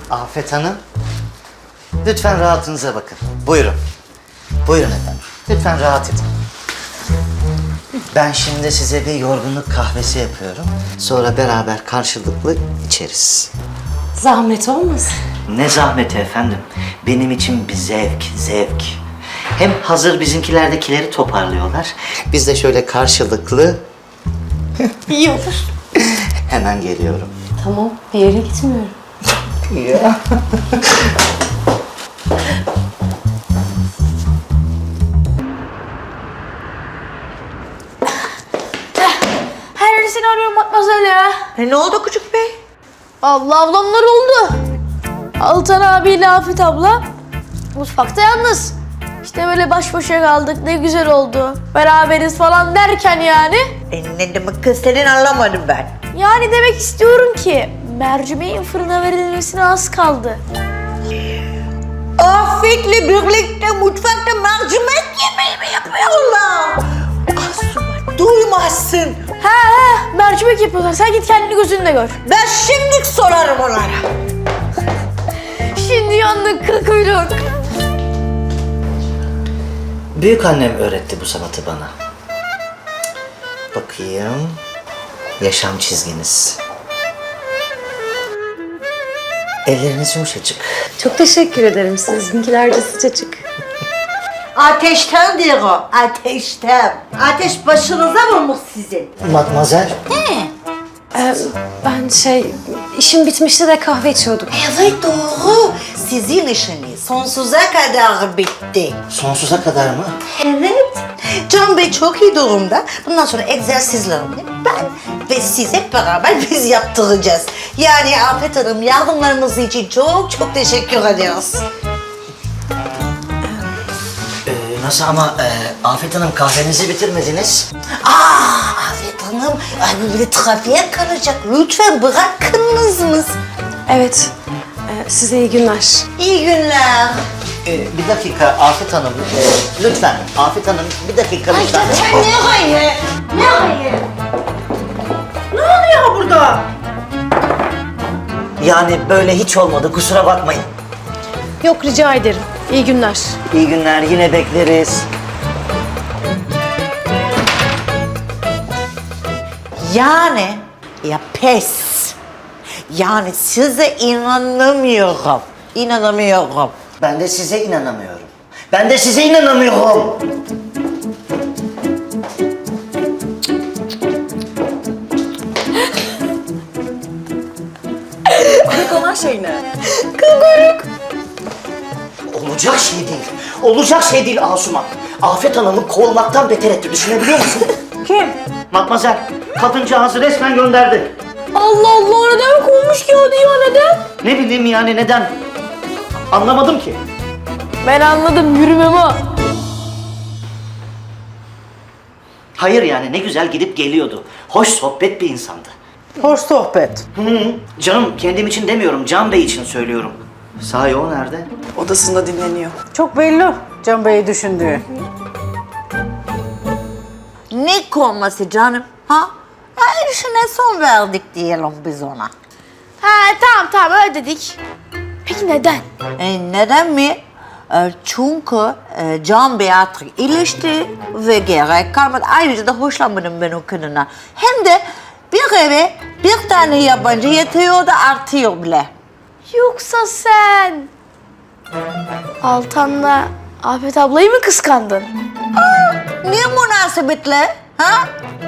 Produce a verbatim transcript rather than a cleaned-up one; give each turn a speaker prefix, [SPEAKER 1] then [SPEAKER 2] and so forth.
[SPEAKER 1] Afet Hanım, lütfen rahatınıza bakın. Buyurun. Buyurun efendim. Lütfen rahat edin. Ben şimdi size bir yorgunluk kahvesi yapıyorum. Sonra beraber karşılıklı içeriz.
[SPEAKER 2] Zahmet olmasın.
[SPEAKER 1] Ne zahmeti efendim. Benim için bir zevk, zevk. Hem hazır bizimkilerdekileri toparlıyorlar. Biz de şöyle karşılıklı...
[SPEAKER 2] İyi olur.
[SPEAKER 1] Hemen geliyorum.
[SPEAKER 2] Tamam, bir yere gitmiyorum.
[SPEAKER 1] Ya.
[SPEAKER 3] Her yerde seni arıyorum Matmazel ya.
[SPEAKER 4] E ne oldu küçük bey?
[SPEAKER 3] Allah ablamlar oldu. Altan abiyle Afet abla mutfakta yalnız. İşte böyle baş başa kaldık, ne güzel oldu. Beraberiz falan derken yani.
[SPEAKER 4] E ne demek kız senin anlamadım ben.
[SPEAKER 3] Yani demek istiyorum ki mercimeğin fırına verilmesine az kaldı.
[SPEAKER 4] Afet'le birlikte mutfakta mercimek yemeği mi yapıyorlar? Asuman duymazsın.
[SPEAKER 3] He he mercimek yapıyorlar. Sen git kendini gözünle gör.
[SPEAKER 4] Ben şimdi sorarım onlara.
[SPEAKER 3] Şimdi yandık kıl kuyruk.
[SPEAKER 1] Büyük annem öğretti bu sanatı bana. Bakayım. Yaşam çizginiz. Elleriniz yumuşacık.
[SPEAKER 2] Çok teşekkür ederim. Sizinkiler de sıcacık.
[SPEAKER 4] Ateşten diyor o, ateşten. Ateş başınıza vurmuş sizin.
[SPEAKER 1] Matmazel.
[SPEAKER 2] Ee, ben şey, işim bitmişti de kahve içiyorduk.
[SPEAKER 4] Evet doğru. Sizin işiniz sonsuza kadar bitti.
[SPEAKER 1] Sonsuza kadar mı?
[SPEAKER 4] Evet. Can Bey çok iyi durumda. Bundan sonra egzersizlerini ben ve siz hep beraber biz yaptıracağız. Yani Afet Hanım yardımlarınız için çok çok teşekkür ediyoruz.
[SPEAKER 1] Ee, nasıl ama e, Afet Hanım kahvenizi bitirmediniz.
[SPEAKER 4] Aa Afet Hanım, ay böyle trafiğe kalacak. Lütfen bırakınız mı?
[SPEAKER 2] Evet, ee, size iyi günler.
[SPEAKER 4] İyi günler.
[SPEAKER 1] Ee, bir dakika Afet Hanım. e, lütfen Afet Hanım bir dakika lütfen.
[SPEAKER 4] Nereye? Nereye? Ne oluyor burada?
[SPEAKER 1] Yani böyle hiç olmadı kusura bakmayın.
[SPEAKER 2] Yok, rica ederim. İyi günler.
[SPEAKER 1] İyi günler yine bekleriz.
[SPEAKER 4] Yani ya pes. Yani size inanamıyorum. İnanamıyorum.
[SPEAKER 1] Ben de size inanamıyorum. Ben de size inanamıyorum.
[SPEAKER 5] Olan şey ne?
[SPEAKER 1] Olacak şey değil. Olacak şey değil Asuman. Afet Hanım'ı kovmaktan beter etti. Düşünebiliyor musun?
[SPEAKER 4] Kim?
[SPEAKER 1] Matmazel, kadıncağızı resmen gönderdi.
[SPEAKER 3] Allah Allah neden kovmuş ki hadi ya neden?
[SPEAKER 1] Ne bileyim yani neden? Anlamadım ki.
[SPEAKER 3] Ben anladım yürümem o.
[SPEAKER 1] Hayır yani ne güzel gidip geliyordu. Hoş sohbet bir insandı.
[SPEAKER 4] Hoş sohbet.
[SPEAKER 1] Hı hı. Canım kendim için demiyorum, Can Bey için söylüyorum. Sahi o nerede?
[SPEAKER 5] Odasında dinleniyor.
[SPEAKER 6] Çok belli Can Bey'i düşündüğü.
[SPEAKER 4] Ne konması canım? Ha? Her işine son verdik diyelim biz ona.
[SPEAKER 3] Ha tamam tamam öyle dedik. Peki neden?
[SPEAKER 4] E, neden mi? E, çünkü e, Can Bey artık iyileşti ve gerek kalmadı. Ayrıca da hoşlanmadım ben o kadına. Hem de bir eve bir tane yabancı yetiyor da artıyor bile.
[SPEAKER 3] Yoksa sen Altan'la Afet ablayı mı kıskandın?
[SPEAKER 4] Niye münasebetle? Ha?